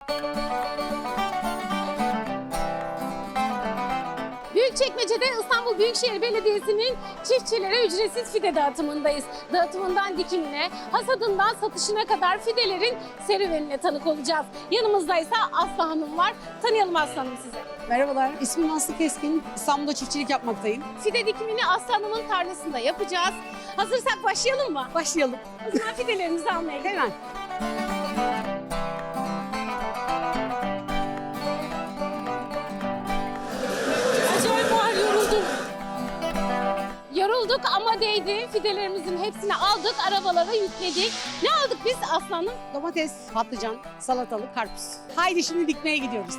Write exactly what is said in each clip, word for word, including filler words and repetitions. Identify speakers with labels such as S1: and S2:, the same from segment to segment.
S1: Büyükçekmece'de İstanbul Büyükşehir Belediyesi'nin çiftçilere ücretsiz fide dağıtımındayız. Dağıtımından dikimine, hasadından satışına kadar fidelerin serüvenine tanık olacağız. Yanımızda ise Aslı Hanım var. Tanıyalım Aslı Hanım sizi.
S2: Merhabalar, ismim Aslı Keskin. İstanbul'da çiftçilik yapmaktayım.
S1: Fide dikimini Aslı Hanım'ın tarlasında yapacağız. Hazırsak başlayalım mı?
S2: Başlayalım.
S1: O zaman fidelerimizi almaya gidelim.
S2: Hemen.
S1: Acayip var, yoruldum. Yorulduk ama değdi. Fidelerimizin hepsini aldık, arabalara yükledik. Ne aldık biz Aslı Hanım?
S2: Domates, patlıcan, salatalık, karpuz. Haydi şimdi dikmeye gidiyoruz.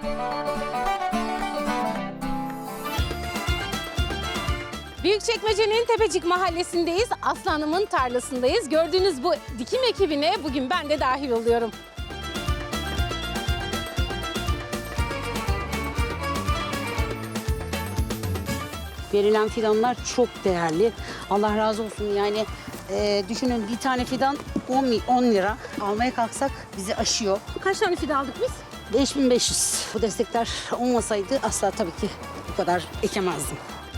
S1: Büyükçekmece'nin Tepecik Mahallesi'ndeyiz. Aslı Hanım'ın tarlasındayız. Gördüğünüz bu dikim ekibine bugün ben de dahil oluyorum.
S2: Verilen fidanlar çok değerli. Allah razı olsun yani. E, düşünün bir tane fidan on lira. Almaya kalksak bizi aşıyor.
S1: Kaç tane fide aldık biz?
S2: beş bin beş yüz. Bu destekler olmasaydı asla tabii ki bu kadar ekemezdim.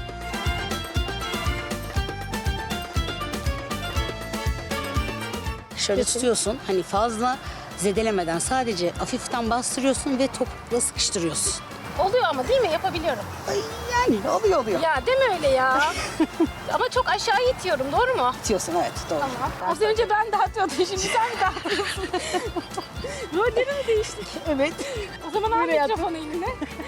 S2: Şöyle tutuyorsun, hani fazla zedelemeden sadece hafiften bastırıyorsun ve topukla sıkıştırıyorsun.
S1: Oluyor ama değil mi? Yapabiliyorum.
S2: Ay, yani oluyor oluyor.
S1: Ya deme öyle ya. Ama çok aşağı itiyorum, doğru mu?
S2: Tutuyorsun, evet, doğru.
S1: Tamam. Az önce ben dağıtıyordum, şimdi sen mi dağıtıyorsun? Rolleri mi değiştik?
S2: Evet.
S1: O zaman al
S2: Buraya
S1: mikrofonu eline.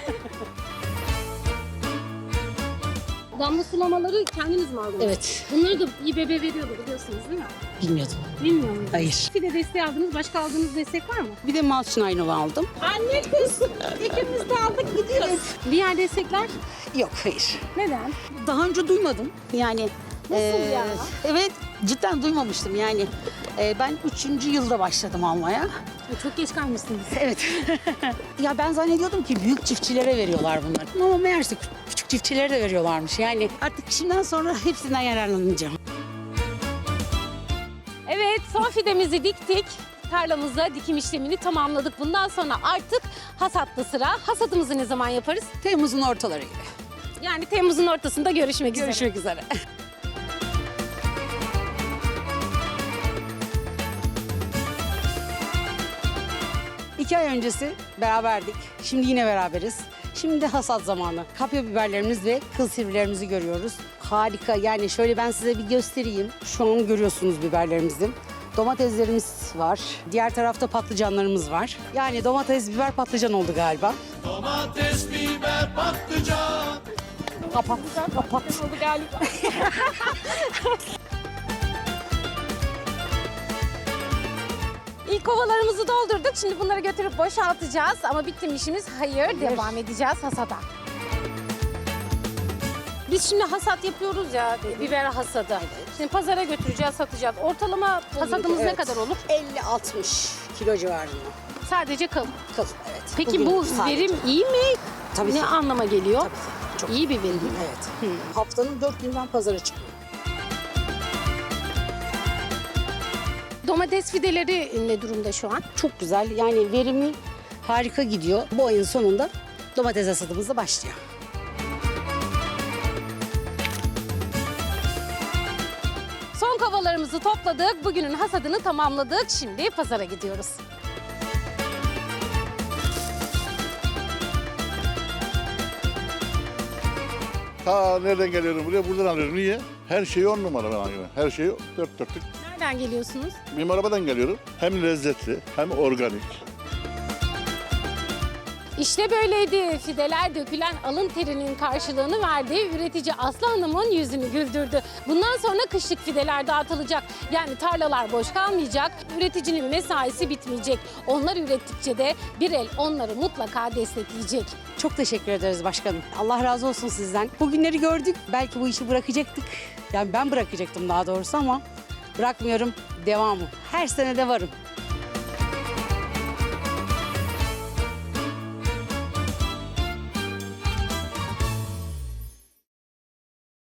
S1: Damla sulamaları kendiniz mi aldınız?
S2: Evet.
S1: Bunları da İBB veriyordu biliyorsunuz değil mi?
S2: Bilmiyordum.
S1: Bilmiyor muydunuz?
S2: Hayır.
S1: Fide desteği aldınız, başka aldığınız destek var mı?
S2: Bir de Malçın aldım.
S1: Anne kız, ikimiz de aldık gidiyoruz. Diğer destekler
S2: Yok, hayır.
S1: neden?
S2: Daha önce duymadım. Yani
S1: Nasıl ya?
S2: Evet, cidden duymamıştım yani. Eee, ben üçüncü yılda başladım almaya.
S1: Çok geç kalmışsınız.
S2: Evet. Ya ben zannediyordum ki büyük çiftçilere veriyorlar bunları. Ama meğerse küçük çiftçilere de veriyorlarmış. Yani artık şimdiden sonra hepsinden yararlanacağım.
S1: Evet, son fidemizi diktik. Tarlamızda dikim işlemini tamamladık. Bundan sonra artık hasatta sıra. Hasatımızı ne zaman yaparız?
S2: Temmuz'un ortaları gibi.
S1: Yani Temmuz'un ortasında görüşmek üzere.
S2: Görüşmek üzere. İki ay öncesi beraberdik. Şimdi yine beraberiz. Şimdi hasat zamanı. Kapya biberlerimiz ve kıl sivrilerimizi görüyoruz. Harika. Yani şöyle ben size bir göstereyim. Şu an görüyorsunuz biberlerimizi. Domateslerimiz var. Diğer tarafta patlıcanlarımız var. Yani domates, biber, patlıcan oldu galiba.
S3: Domates, biber, patlıcan.
S2: Kapat, kapat.
S1: Oldu galiba. İlk kovalarımızı doldurduk. Şimdi bunları götürüp boşaltacağız. Ama bitti mi işimiz? Hayır. Devam edeceğiz hasata. Biz şimdi hasat yapıyoruz ya, biber hasadı. Şimdi pazara götüreceğiz, satacağız. Ortalama hasadımız ne
S2: Evet.
S1: kadar olur?
S2: elli altmış kilo civarında.
S1: Sadece kıl.
S2: Kıl, evet.
S1: Peki
S2: Bugün
S1: bu
S2: sadece.
S1: verim iyi mi?
S2: Tabii
S1: ne
S2: ki.
S1: anlama geliyor?
S2: Tabii ki. Çok
S1: İyi bir verim.
S2: Evet. Haftanın dört günden pazara çıkıyor.
S1: Domates fideleri ne durumda şu an?
S2: Çok güzel. Yani verimi harika gidiyor. Bu ayın sonunda domates hasadımız da başlıyor.
S1: Son kovalarımızı topladık. Bugünün hasadını tamamladık. Şimdi pazara gidiyoruz.
S3: Ta nereden geliyorum buraya? Buradan alıyorum. Niye? Her şeyi on numara ben alıyorum. Her şeyi dört dörtlük.
S1: Nereden geliyorsunuz?
S3: Benim arabadan geliyorum. Hem lezzetli hem organik.
S1: İşte böyleydi. Fideler dökülen alın terinin karşılığını verdi. Üretici Aslı Hanım'ın yüzünü güldürdü. Bundan sonra kışlık fideler dağıtılacak. Yani tarlalar boş kalmayacak. Üreticinin mesaisi bitmeyecek. Onlar ürettikçe de bir el onları mutlaka destekleyecek.
S2: Çok teşekkür ederiz başkanım. Allah razı olsun sizden. Bugünleri gördük. Belki bu işi bırakacaktık. Yani ben bırakacaktım daha doğrusu ama bırakmıyorum. Devamı. Her sene de varım.